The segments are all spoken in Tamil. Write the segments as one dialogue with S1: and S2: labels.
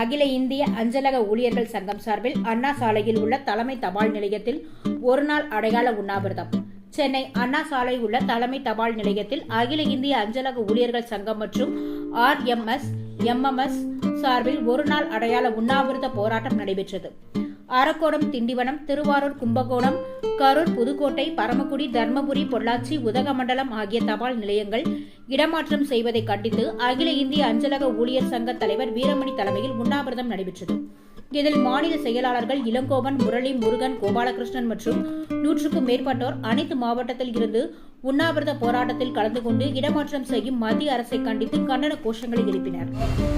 S1: அகில இந்திய அஞ்சலக ஊழியர்கள் சங்கம் சார்பில் அண்ணா சாலையில் உள்ள தலைமை தபால் நிலையத்தில் ஒருநாள் அடையாள உண்ணாவிரதம். சென்னை அண்ணா சாலை உள்ள தலைமை தபால் நிலையத்தில் அகில இந்திய அஞ்சலக ஊழியர்கள் சங்கம் மற்றும் RMS, MMS சார்பில் ஒருநாள் அடையாள உண்ணாவிரத போராட்டம் நடைபெற்றது. அரக்கோணம், திண்டிவனம், திருவாரூர், கும்பகோணம், கரூர், புதுக்கோட்டை, பரமக்குடி, தர்மபுரி, பொள்ளாச்சி, உதகமண்டலம் ஆகிய தபால் நிலையங்கள் இடமாற்றம் செய்வதை கண்டித்து அகில இந்திய அஞ்சலக ஊழியர் சங்க தலைவர் வீரமணி தலைமையில் உண்ணாவிரதம் நடைபெற்றது. இதில் மாநில செயலாளர்கள் இளங்கோவன், முரளி, முருகன், கோபாலகிருஷ்ணன் மற்றும் 100க்கும் மேற்பட்டோர் அனைத்து மாவட்டத்தில் இருந்து உண்ணாவிரத போராட்டத்தில் கலந்து கொண்டு இடமாற்றம் செய்யும் மத்திய அரசை கண்டித்து கண்டன கோஷங்களை எழுப்பினர்.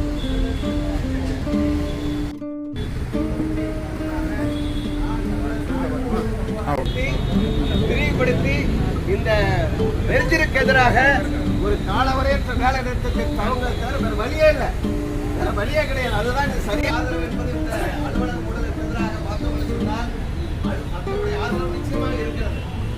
S2: விரிவுபடுத்தி இந்த வெறிஞ்சிற்கு எதிராக ஒரு காலவரையற்ற வேலை நிறுத்தத்தை வேற வழியே இல்லை, வேற வழியே கிடையாது. அதுதான் சரி ஆதரவு என்பது இந்த அலுவலக ஊழலுக்கு எதிராக பார்த்தவங்க சொன்னால் மக்களுடைய ஆதரவு நிச்சயமாக இருக்கிறது.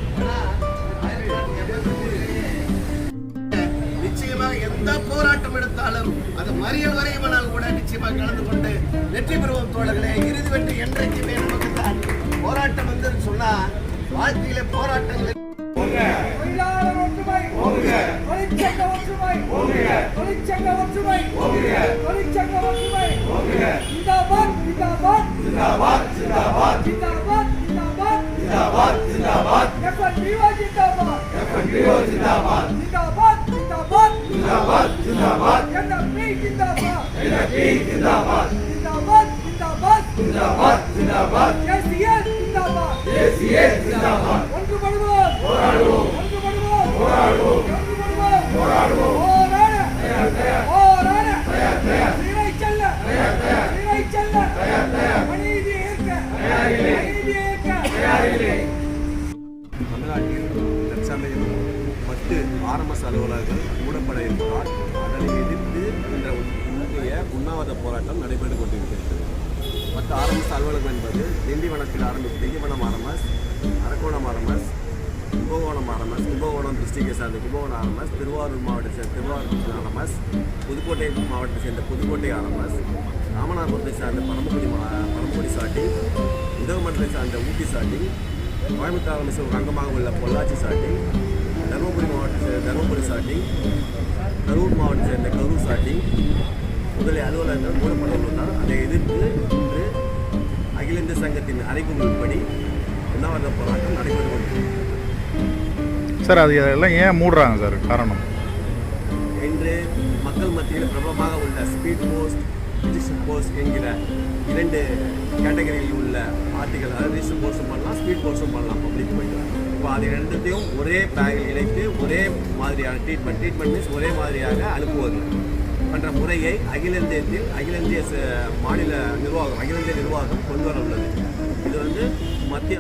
S2: நிச்சயமாக எந்த போராட்டம் எடுத்தாலும் அது மறியல் வரையுமானால் கூட நிச்சயமாக கலந்து கொண்டு வெற்றி பெறுவோம் தோழர்களே. இறுதி வெற்றி என்றைக்குமே நமக்கு தான். போராட்டம் வந்து சொன்னா வாழ்க்கையில போராட்டங்கள்
S3: தமிழ்நாட்டில் தற்சமயம் 10 RMS அலுவலர்கள் மூடப்பட இருப்பதால் அதனை எதிர்த்து என்ற உண்ணாவிரத போராட்டம் நடைபெற்றுக் கொண்டிருக்கிறது. 10 RMS அலுவலகம் என்பது திண்டிவனத்தில் ஆரம்பித்து Tindivanam RMS, Arakkonam RMS, Kumbakonam RMS, Kumbakonam டிஸ்ட்ரிக்டை சார்ந்த கும்பகோணம் RMS, திருவாரூர் மாவட்டத்தை சேர்ந்த திருவாரூர் RMS, புதுக்கோட்டை மாவட்டத்தை சேர்ந்த புதுக்கோட்டை RMS, ராமநாதபுரத்தை சார்ந்த பரமக்குடி சாட்டிங், உதகமண்டலத்தை சார்ந்த ஊட்டி சாட்டிங், கோயம்புத்தூர் RMS ஒரு அங்கமாக உள்ள பொள்ளாச்சி சாட்டிங், தருமபுரி மாவட்டத்தை சேர்ந்த தருமபுரி சாட்டிங், கரூர் மாவட்டத்தை சேர்ந்த கரூர் சாட்டிங் முதலிய அலுவலகங்கள் மூடப்பட உள்ளதால் அதை எதிர்த்து இன்று அகில இந்திய சங்கத்தின் அறிவிப்புப்படி உண்ணாவிரத போராட்டம் நடைபெற்று கொண்டிருக்கிறது.
S4: சார், அது எல்லாம் ஏன் மூடுறாங்க சார்? காரணம்
S3: இன்று மக்கள் மத்தியில் பிரபலமாக உள்ள ஸ்பீட் போஸ்ட், ரிஜிஸ்டர் போஸ்ட் என்கிற 2 கேட்டகரியில் உள்ள ஆர்டிகல், அதாவது ரிஜிஸ்டர் போஸ்ட்டும் பண்ணலாம், ஸ்பீட் போஸ்ட்டும் பண்ணலாம் பப்ளிக் போயிட்டு. இப்போ அது 2த்தையும் ஒரே பேக்கில் இணைத்து ஒரே மாதிரியான ட்ரீட்மெண்ட் மீன்ஸ் ஒரே மாதிரியாக அனுப்புவது என்ற முறையை அகில இந்திய மாநில நிர்வாகம், அகில இந்திய நிர்வாகம் கொண்டு வர உள்ளது. இது மத்திய